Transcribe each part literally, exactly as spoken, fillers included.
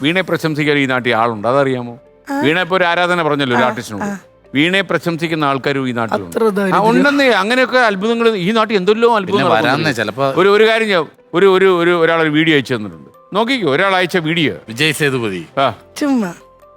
വീണയെ പ്രശംസിക്കാൻ ഈ നാട്ടിൽ ആളുണ്ട്, അതറിയാമോ? വീണ ഇപ്പൊ ഒരു ആരാധന പറഞ്ഞല്ലോ ഒരു ആർട്ടിസ്റ്റിനോട്. വീണയെ പ്രശംസിക്കുന്ന ആൾക്കാരും ഈ നാട്ടിലുണ്ട്. ഉണ്ടെന്നേ, അങ്ങനെയൊക്കെ അത്ഭുതങ്ങൾ ഈ നാട്ടിൽ എന്തെല്ലോ അത്ഭുതങ്ങൾ. ചിലപ്പോ ഒരു ഒരു കാര്യം ഞാൻ ഒരു ഒരു ഒരു ഒരാളൊരു വീഡിയോ അയച്ചു തന്നിട്ടുണ്ട്, നോക്കിക്കോ. ഒരാൾ അയച്ച വീഡിയോ വിജയ് സേതുപതി. ആ ചുമ്മാ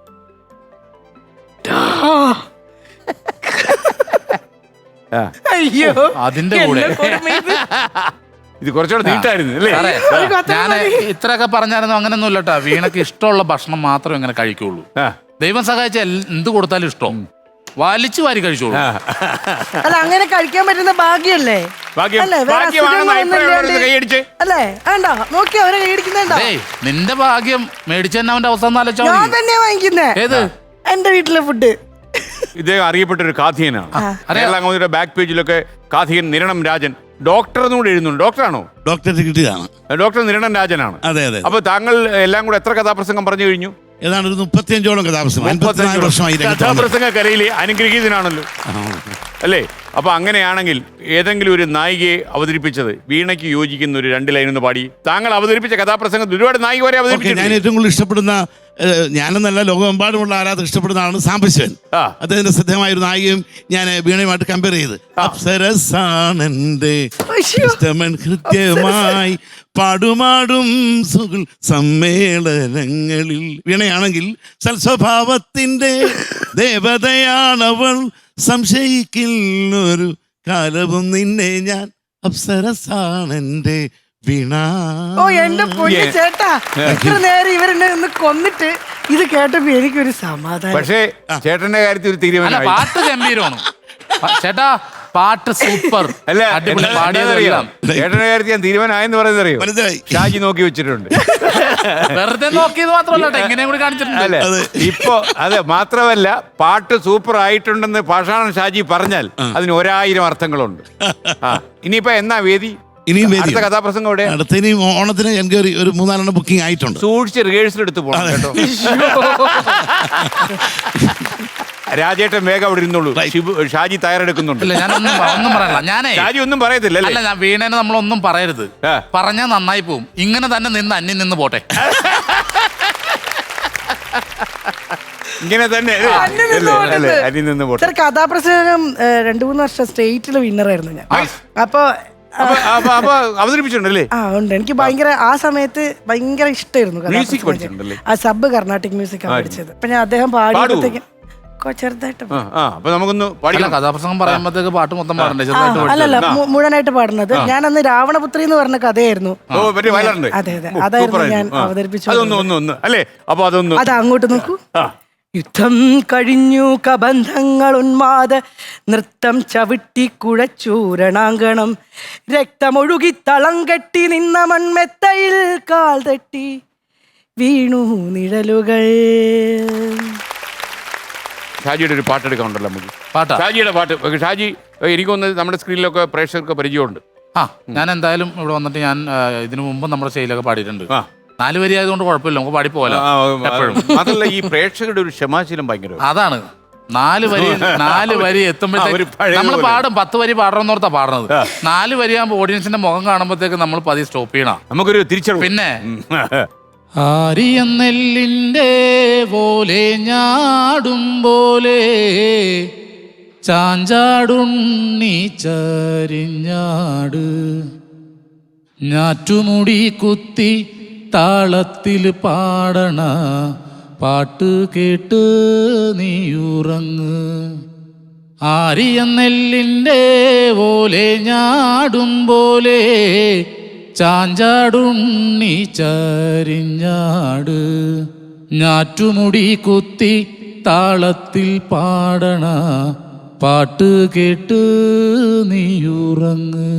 അയ്യോ അതിന്റെ കൂടെ ഇത് കുറച്ചുകൂടെ നീട്ടായിരുന്നു അല്ലേ? ഞാൻ ഇത്രയൊക്കെ പറഞ്ഞായിരുന്നു. അങ്ങനെയൊന്നും ഇല്ലട്ടാ. വീണക്ക് ഇഷ്ടമുള്ള ഭക്ഷണം മാത്രമേ ഇങ്ങനെ കഴിക്കുള്ളൂ. ദൈവം സഹായിച്ച എന്ത് കൊടുത്താലും ഇഷ്ടം വലിച്ചു വാരി കഴിച്ചോളൂ. അല്ല, അങ്ങനെ കഴിക്കാൻ പറ്റുന്ന ഭാഗ്യല്ലേ? അല്ലേ? നോക്കി അവരെ കൈയടിക്കുന്നുണ്ടോ? നിന്റെ ഭാഗ്യം മേടിച്ചു തന്നെ അവന്റെ അവസ്ഥ ഞാൻ തന്നെയാ വാങ്ങിക്കുന്നേ. ഏത്? എന്റെ വീട്ടിലെ ഫുഡ്. ഇദ്ദേഹം അറിയപ്പെട്ട ഒരു കാഥികനാണ്. ബാക്ക് പേജിലൊക്കെ കാഥികൻ നിരണം രാജൻ ഡോക്ടർ എന്നുകൂടെ എഴുതുന്നുണ്ട്. ഡോക്ടറാണോ? ഡോക്ടർ ഡിഗ്രിയാണ്. ഡോക്ടർ നിരണം രാജനാണ്. അതെ അതെ. അപ്പൊ താങ്കൾ എല്ലാം കൂടെ എത്ര കഥാപ്രസംഗം പറഞ്ഞു കഴിഞ്ഞു? ഏതാണ്ട് ഒരു മുപ്പത്തിയഞ്ചോളം കഥാപ്രസംഗം. കഥാപ്രസംഗ കലയിലെ അനുഗ്രഹീതനാണല്ലോ അല്ലേ? അപ്പൊ അങ്ങനെയാണെങ്കിൽ ഏതെങ്കിലും ഒരു നായികയെ അവതരിപ്പിച്ചത് വീണയ്ക്ക് യോജിക്കുന്ന ഒരു രണ്ട് ലൈൻ ഒന്ന് പാടി. താങ്കൾ അവതരിപ്പിച്ച കഥാപ്രസംഗത്തിൽ ഒരുപാട് നായിക വരെ അവതരിപ്പിച്ചു. ഞാൻ ഏറ്റവും കൂടുതൽ ഇഷ്ടപ്പെടുന്ന, ഞാനെന്നല്ല ലോകമെമ്പാടുമുള്ള ആരാധകർ ഇഷ്ടപ്പെടുന്ന ആളാണ് സാംബശിവൻ. അദ്ദേഹത്തിന്റെ ശ്രദ്ധേയമായ ഒരു നായികയും ഞാൻ വീണയുമായിട്ട് കമ്പയർ ചെയ്ത്, അപ്സരസാണെന്റെ കൃത്യമായി പാടുമാടും സുഖ സമ്മേളനങ്ങളിൽ. വീണയാണെങ്കിൽ സൽസ്വഭാവത്തിന്റെ ദേവതയാണവൾ, സംശയിക്കുന്നൊരു കാലവും നിന്നെ ഞാൻ, അപ്സരസാണെന്റെ വീണ. ഓ എന്റെ പൊന്നു ചേട്ടാ, എത്ര നേരം ഇവരെന്നെ ഒന്ന് കൊന്നിട്ട് ഇത് കേട്ടപ്പോ എനിക്കൊരു സമാധാനം. പക്ഷേ ചേട്ടന്റെ കാര്യത്തിൽ ഒരു തീരുമാനം. പാട്ട് ഗംഭീരമാണ് ചേട്ടാ, പാട്ട് സൂപ്പർ. ചേട്ടന്റെ കാര്യത്തിൽ ഞാൻ തീരുമാനമായെന്ന് പറയുന്നത് അറിയോ? ഷാജി നോക്കി വെച്ചിട്ടുണ്ട്. വെറുതെ നോക്കിയത് മാത്രമല്ല, എങ്ങനെയും കൂടി കാണിച്ചിട്ടുണ്ട്. ഇപ്പൊ അതെ, മാത്രമല്ല പാട്ട് സൂപ്പർ ആയിട്ടുണ്ടെന്ന് പാഷാണൻ ഷാജി പറഞ്ഞാൽ അതിന് ഒരായിരം അർത്ഥങ്ങളുണ്ട്. ആ ഇനിയിപ്പോ എന്നാ വേദി? ഇനിയും അടുത്ത കഥാപ്രസംഗം ഇവിടെ അടുത്ത ഇനി ഓണത്തിന് എനിക്ക് ഒരു മൂന്നാലെണ്ണം ബുക്കിംഗ് ആയിട്ടുണ്ട്. സൂക്ഷിച്ച് റിഹേഴ്സൽ എടുത്ത് പോകണം കേട്ടോ. രാജേട്ടൻ വേഗം അവിടെ ഇരുന്നുള്ളൂ. ഷാജി തയ്യാറെടുക്കുന്നുണ്ട്. ഷാജി ഒന്നും പറയത്തില്ല. അല്ല, വീണേനെ നമ്മളൊന്നും പറയരുത്. പറഞ്ഞാൽ നന്നായി പോവും. ഇങ്ങനെ തന്നെ നിന്ന് അന്യം നിന്ന് പോട്ടെ. ഇങ്ങനെ തന്നെ കഥാപ്രസംഗം രണ്ടു മൂന്ന് വർഷം സ്റ്റേറ്റിലെ വിന്നറായിരുന്നു ഞാൻ. അപ്പൊ അവതരിപ്പിച്ചിട്ടുണ്ടല്ലേ? ആ ഉണ്ട്. എനിക്ക് ഭയങ്കര ആ സമയത്ത് ഭയങ്കര ഇഷ്ടമായിരുന്നു. ആ സബ് കർണാട്ടിക് മ്യൂസിക് പഠിച്ചത്. അപ്പൊ ഞാൻ അദ്ദേഹം പാടിയപ്പോഴത്തേക്ക് ചെറുതായിട്ട് കഥാപ്രസംഗം പറയുമ്പോഴത്തേക്ക് പാട്ട് മൊത്തം പാടണ്ടേ? അല്ലല്ല, മുഴുവനായിട്ട് പാടുന്നത്. ഞാൻ അന്ന് രാവണപുത്രി എന്ന് പറഞ്ഞ കഥയായിരുന്നു. അതെ അതെ, അതായിരുന്നു ഞാൻ അവതരിപ്പിച്ചു. അത് അങ്ങോട്ട് നോക്കൂ. യുദ്ധം കഴിഞ്ഞു കബന്ധങ്ങൾ ഉന്മാദ നൃത്തം ചവിട്ടി കുഴച്ചൂരണാങ്കണം, രക്തമൊഴുകി തളം കെട്ടി നിന്ന മൺമെത്തയിൽ കാൽ തട്ടി വീണു നിഴലുകൾ. ഷാജിയുടെ ഒരു പാട്ടെടുക്കാനുണ്ടല്ലോ നമുക്ക്. പാട്ടാ ഷാജിയുടെ പാട്ട്. ഷാജി എനിക്കൊന്ന് നമ്മുടെ സ്ക്രീനിലൊക്കെ പ്രേക്ഷകർക്ക് പരിചയമുണ്ട്. ആ ഞാൻ എന്തായാലും ഇവിടെ വന്നിട്ട് ഞാൻ ഇതിനു മുമ്പ് നമ്മുടെ സ്റ്റേജിലൊക്കെ പാടിയിട്ടുണ്ട്. നാല് വരി ആയതുകൊണ്ട് കുഴപ്പമില്ല, നമുക്ക് പാടി പോകാലോ എപ്പോഴും. അതല്ല, ഈ പ്രേക്ഷകരുടെ ഒരു ക്ഷമാശീലം ഭയങ്കര അതാണ്. നാല് വരി നാല് വരി എത്തുമ്പോഴത്തേക്ക് നമ്മൾ പാടും. പത്ത് വരി പാടണമെന്നോർത്താ പാടുന്നത്. നാല് വരിയാകുമ്പോൾ ഓഡിയൻസിന്റെ മുഖം കാണുമ്പോഴത്തേക്ക് നമ്മൾ പതി സ്റ്റോപ്പ് ചെയ്യണം. നമുക്കൊരു തിരിച്ചറിവ്. പിന്നെ ആരിയെന്നെല്ലിൻ്റെ പോലെ ഞാടും പോലെ ചാഞ്ചാടുണ്ണി ചരിഞ്ഞാട്, ഞാറ്റുമുടി കുത്തി താളത്തിൽ പാടണ പാട്ട് കേട്ട് നീയുറങ്ങ്. ആരിയെന്നെല്ലിൻ്റെ പോലെ ഞാടും പോലെ ചാഞ്ചാടുണ്ണി ചരിഞ്ഞാട്, ഞാറ്റുമുടി കുത്തി താളത്തിൽ പാടണ പാട്ട് കേട്ട് നീയുറങ്ങ്.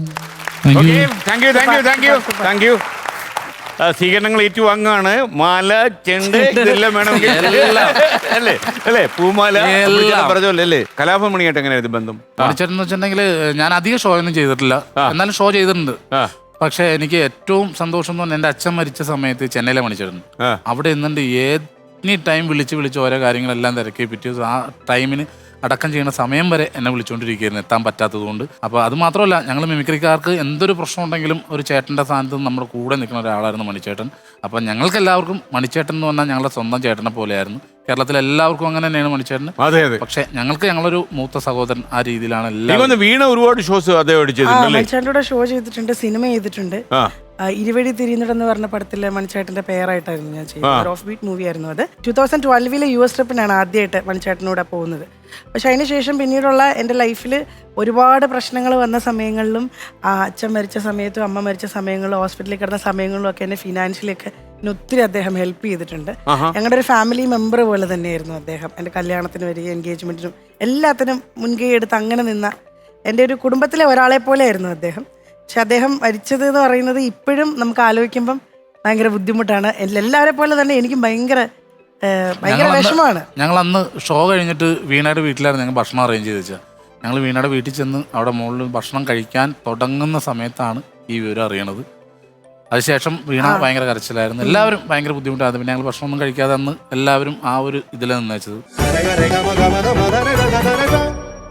സ്വീകരണങ്ങൾ ഏറ്റുവാങ്ങാണ്. മാല, ചെണ്ട് ഇതെല്ലാം വേണമെങ്കിൽ അല്ലേ അല്ലേ പൂമാല പറഞ്ഞല്ലേ അല്ലേ? കലാഭമണിയായിട്ട് എങ്ങനെയായിരുന്നു ബന്ധം? പഠിച്ചെന്ന് വെച്ചിട്ടുണ്ടെങ്കിൽ ഞാൻ അധികം ഷോ ഒന്നും ചെയ്തിട്ടില്ല, എന്നാലും ഷോ ചെയ്തിട്ടുണ്ട്. പക്ഷെ എനിക്ക് ഏറ്റവും സന്തോഷം എന്ന് പറഞ്ഞാൽ എൻ്റെ അച്ഛൻ മരിച്ച സമയത്ത് ചെന്നൈയിലെ മണിച്ചിരുന്നു. അവിടെ നിന്നുണ്ട് എനി ടൈം വിളിച്ച് വിളിച്ച് ഓരോ കാര്യങ്ങളെല്ലാം തിരക്കി പിറ്റേ ആ ടൈമിന് അടക്കം ചെയ്യുന്ന സമയം വരെ എന്നെ വിളിച്ചുകൊണ്ടിരിക്കുകയായിരുന്നു എത്താൻ പറ്റാത്തത് കൊണ്ട്. അപ്പോൾ അത് മാത്രമല്ല, ഞങ്ങൾ മിമിക്രിക്കാർക്ക് എന്തൊരു പ്രശ്നം ഉണ്ടെങ്കിലും ഒരു ചേട്ടൻ്റെ സ്ഥാനത്ത് നമ്മുടെ കൂടെ നിൽക്കുന്ന ഒരാളായിരുന്നു മണിച്ചേട്ടൻ. അപ്പം ഞങ്ങൾക്ക് എല്ലാവർക്കും മണിച്ചേട്ടൻ എന്ന് പറഞ്ഞാൽ ഞങ്ങളുടെ സ്വന്തം ചേട്ടനെ പോലെയായിരുന്നു. കേരളത്തിലെ എല്ലാവർക്കും അങ്ങനെ തന്നെയാണ് മണിച്ചേട്ടന്. അതെ അതെ. പക്ഷെ ഞങ്ങൾക്ക് ഞങ്ങളൊരു മൂത്ത സഹോദരൻ ആ രീതിയിലാണ് എല്ലാവരും. വീണ ഒരുപാട് ഷോസ് അദ്ദേഹം ചെയ്തിട്ടുണ്ട്. മണിച്ചേട്ടൻ്റെ ഷോ ചെയ്തിട്ടുണ്ട്, സിനിമ ചെയ്തിട്ടുണ്ട്. ഇരുവഴി തിരിയുന്നിടെന്ന് പറഞ്ഞ പടത്തിലെ മണിച്ചേട്ടന്റെ പേരായിട്ടായിരുന്നു ഞാൻ ചെയ്യുന്നത്. ഓഫ് ബീറ്റ് മൂവി ആയിരുന്നു അത്. ടൂ തൗസൻഡ് ട്വൽവിലെ യു എസ് ട്രിപ്പിനാണ് ആദ്യമായിട്ട് മണിച്ചേട്ടനൂടെ പോകുന്നത്. പക്ഷെ അതിനുശേഷം പിന്നീടുള്ള എൻ്റെ ലൈഫിൽ ഒരുപാട് പ്രശ്നങ്ങൾ വന്ന സമയങ്ങളിലും അച്ഛൻ മരിച്ച സമയത്തും അമ്മ മരിച്ച സമയങ്ങളിലും ഹോസ്പിറ്റലിൽ കിടന്ന സമയങ്ങളിലും ഒക്കെ എന്നെ ഫിനാൻഷ്യലി ഒക്കെ എന്നെ ഒത്തിരി അദ്ദേഹം ഹെൽപ്പ് ചെയ്തിട്ടുണ്ട്. ഞങ്ങളുടെ ഒരു ഫാമിലി മെമ്പർ പോലെ തന്നെയായിരുന്നു അദ്ദേഹം. എൻ്റെ കല്യാണത്തിന് വരിക, എൻഗേജ്മെന്റിനും എല്ലാത്തിനും മുൻകൈ എടുത്ത് അങ്ങനെ നിന്ന എൻ്റെ ഒരു കുടുംബത്തിലെ ഒരാളെ പോലെ ആയിരുന്നു അദ്ദേഹം. പക്ഷെ അദ്ദേഹം മരിച്ചത് എന്ന് പറയുന്നത് ഇപ്പോഴും നമുക്ക് ആലോചിക്കുമ്പം ഭയങ്കര ബുദ്ധിമുട്ടാണ്. എല്ലാവരെ പോലെ തന്നെ എനിക്കും ഭയങ്കര ഭയങ്കര വിഷമമാണ്. ഞങ്ങൾ അന്ന് ഷോ കഴിഞ്ഞിട്ട് വീണയുടെ വീട്ടിലായിരുന്നു ഞങ്ങൾ ഭക്ഷണം അറേഞ്ച് ചെയ്ത് വെച്ചാൽ. ഞങ്ങൾ വീണയുടെ വീട്ടിൽ ചെന്ന് അവിടെ മുകളിൽ ഭക്ഷണം കഴിക്കാൻ തുടങ്ങുന്ന സമയത്താണ് ഈ വിവരം അറിയണത്. അതിനുശേഷം വീണ ഭയങ്കര കരച്ചിലായിരുന്നു. എല്ലാവരും ഭയങ്കര ബുദ്ധിമുട്ടായിരുന്നു. പിന്നെ ഞങ്ങൾ ഭക്ഷണമൊന്നും കഴിക്കാതെ അന്ന് എല്ലാവരും ആ ഒരു ഇതിലാണ് നിന്നേച്ചത്.